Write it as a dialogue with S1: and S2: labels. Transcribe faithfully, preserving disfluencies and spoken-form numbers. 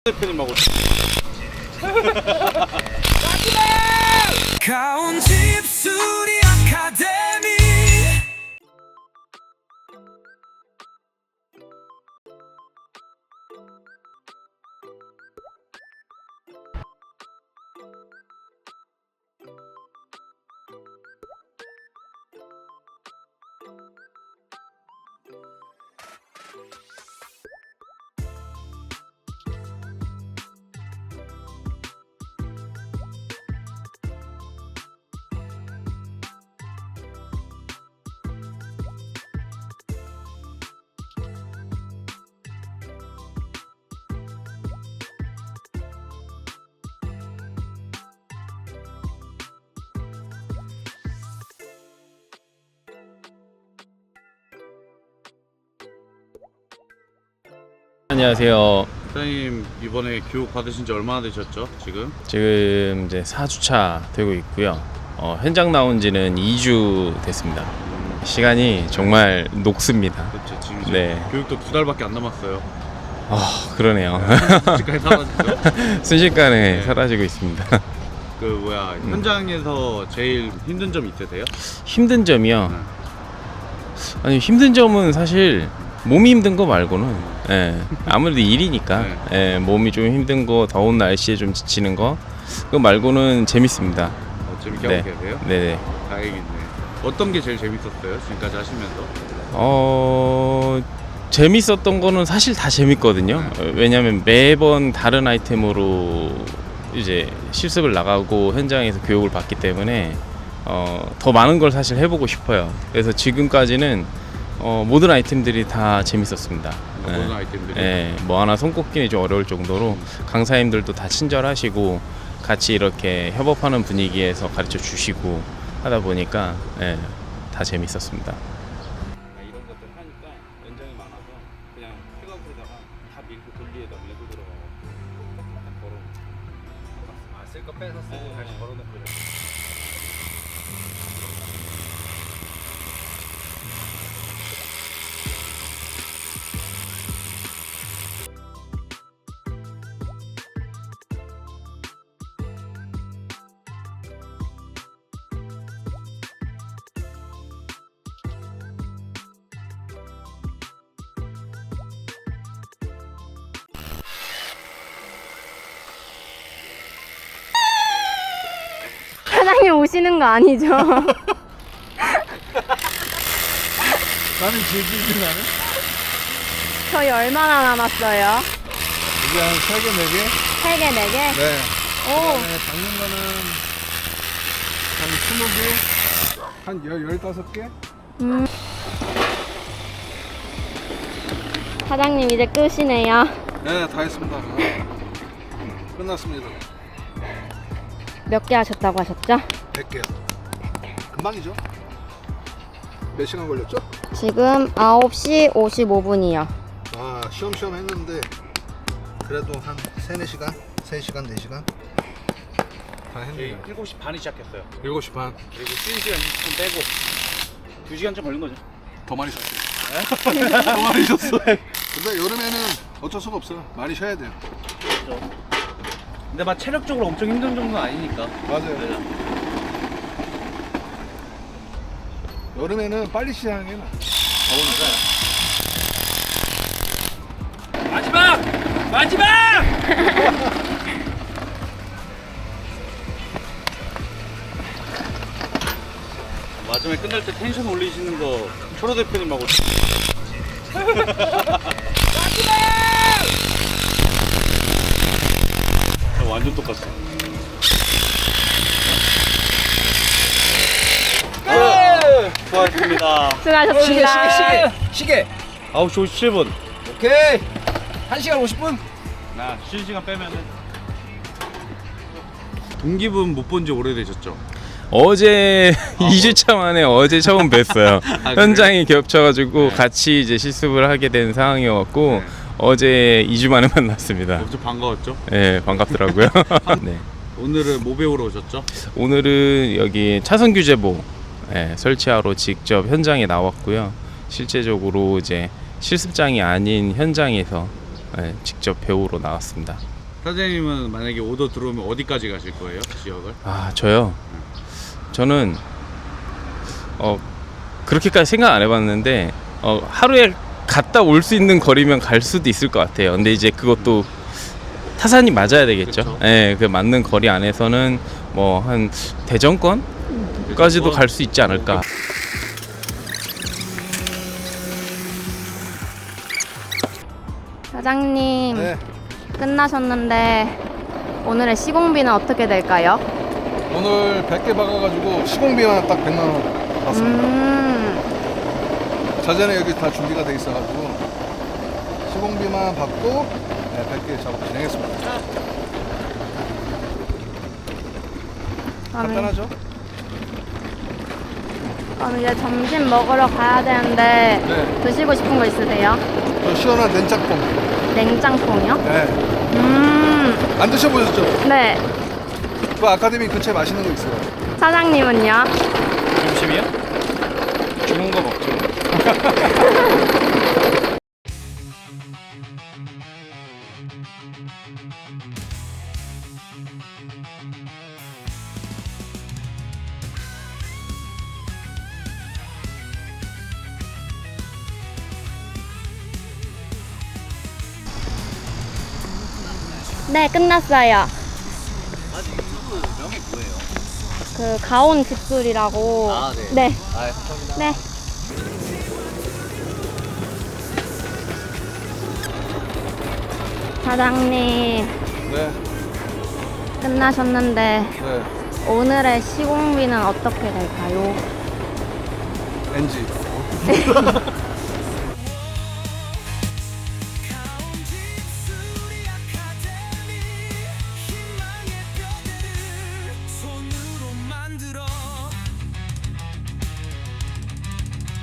S1: 대표님하고
S2: 가온집 수리 아카데미.
S3: 안녕하세요.
S1: 사장님 이번에 교육 받으신 지 얼마나 되셨죠? 지금?
S3: 지금 이제 사 주차 되고 있고요. 어, 현장 나온 지는 이 주 됐습니다. 시간이 정말 녹습니다.
S1: 그렇죠. 지금 이제
S3: 네.
S1: 교육도 두 달밖에 안 남았어요.
S3: 아, 그러네요.
S1: 지금까지 사라지죠.
S3: 순식간에
S1: 네.
S3: 사라지고 있습니다.
S1: 그 뭐야 현장에서 제일 힘든 점 있으세요?
S3: 힘든 점이요.
S1: 네.
S3: 아니, 힘든 점은 사실 몸이 힘든 거 말고는 예, 아무래도 일이니까 예, 몸이 좀 힘든 거, 더운 날씨에 좀 지치는 거 그거 말고는 재밌습니다.
S1: 어, 재밌게
S3: 네.
S1: 하고 계세요?
S3: 네네.
S1: 다행이네. 어떤 게 제일 재밌었어요? 지금까지 하시면서?
S3: 어 재밌었던 거는 사실 다 재밌거든요. 어, 왜냐하면 매번 다른 아이템으로 이제 실습을 나가고 현장에서 교육을 받기 때문에 어, 더 많은 걸 사실 해보고 싶어요. 그래서 지금까지는 어, 모든 아이템들이 다 재밌었습니다.
S1: 모든
S3: 예.
S1: 아이템들이?
S3: 예, 뭐 하나 손꼽기는 좀 어려울 정도로 강사님들도 다 친절하시고 같이 이렇게 협업하는 분위기에서 가르쳐 주시고 하다 보니까 예, 다 재밌었습니다.
S1: 이런 것들 하니까 연장이 많아서 그냥 픽업에다가 다 밀고 돌리에다 레고 들어가고 딱 걸어. 아, 쓸 거 빼서 쓰고 다시 걸어놓고 이렇게.
S4: 사장님 오시는 거 아니죠?
S5: 나는 질질질 나네.
S4: 저희 얼마나 남았어요?
S5: 이게 한 세 개, 네 개?
S4: 세 개, 네 개?
S5: 네.
S4: 오,
S5: 그다음에 박는 거는 한 스무 개, 한 열, 열다섯 개?
S4: 음. 사장님 이제 끝이네요.
S5: 네, 다 했습니다. 끝났습니다.
S4: 몇 개 하셨다고 하셨죠?
S5: 백 개요. 금방이죠? 몇 시간 걸렸죠?
S4: 지금 아홉 시 오십오 분이요.
S5: 아, 쉬엄쉬엄 했는데 그래도 한 세네 시간? 세 시간, 네 시간? 다
S1: 저희
S5: 했네요.
S1: 일곱 시 반에 시작했어요.
S5: 일곱 시 반.
S1: 그리고 쉬는 시간 이십 분 빼고 두 시간쯤 걸린 거죠.
S5: 더 많이 쉬었어요. 더 많이 쉬었어. 근데 여름에는 어쩔 수가 없어요. 많이 쉬어야 돼요.
S1: 근데 막 체력적으로 엄청 힘든 정도는 아니니까.
S5: 맞아요. 여름에는 빨리 시작하는 게 나아. 더우니까.
S1: 마지막! 마지막! 마지막에 끝날 때 텐션 올리시는 거 초로 대표님하고 마지막! 완전 똑같어. 네! 수고하셨습니다.
S4: 수고하셨습니다.
S6: 시계 시계
S1: 아홉 시 오십칠 분.
S6: 오케이 한 시간 오십 분.
S1: 나 쉬는 시간 빼면은 동기분 못 본 지 오래되셨죠?
S3: 어제 이 주차 만에 어제 처음 뵀어요.
S1: 아,
S3: 현장이 겹쳐가지고
S1: 네.
S3: 같이 이제 실습을 하게 된 상황이었고
S1: 네.
S3: 어제 이 주 만에 만났습니다.
S1: 엄청 반가웠죠?
S3: 네, 반갑더라고요. 네.
S1: 오늘은 뭐 배우러 오셨죠?
S3: 오늘은 여기 차선 규제보 예, 설치하러 직접 현장에 나왔고요. 실제적으로 이제 실습장이 아닌 현장에서 예, 직접 배우러 나왔습니다.
S1: 사장님은 만약에 오더 들어오면 어디까지 가실 거예요? 지역을?
S3: 아 저요. 저는 어 그렇게까지 생각 안 해봤는데 어 하루에 갔다 올 수 있는 거리면 갈 수도 있을 것 같아요. 근데 이제 그것도 타산이 맞아야 되겠죠.
S1: 그쵸.
S3: 예, 그 맞는 거리 안에서는 뭐 한 대전권까지도 갈 수 있지 않을까.
S4: 사장님
S5: 네.
S4: 끝나셨는데 오늘의 시공비는 어떻게 될까요?
S5: 오늘 백 개 박아가지고 시공비만 딱 백만 원 받습니다.
S4: 음,
S5: 자재는 여기 다 준비가 돼 있어가지고 시공비만 받고 네, 백 개 작업 진행했습니다.
S4: 그럼,
S5: 간단하죠?
S4: 그럼 이제 점심 먹으러 가야 되는데
S5: 네.
S4: 드시고 싶은 거 있으세요?
S5: 저 시원한 냉짬뽕.
S4: 냉장콩이요?
S5: 네.
S4: 음,
S5: 안 드셔보셨죠?
S4: 네.
S5: 그 아카데미 근처에 맛있는 거 있어요.
S4: 사장님은요?
S3: 점심이요? 주문 거 먹죠.
S4: 네, 끝났어요.
S6: 명이 뭐예요?
S4: 그 가온 집술이라고.
S6: 아, 네.
S4: 네.
S6: 아, 감사합니다.
S4: 네. 사장님
S5: 네.
S4: 끝나셨는데
S5: 네.
S4: 오늘의 시공비는 어떻게 될까요?
S5: 엔지.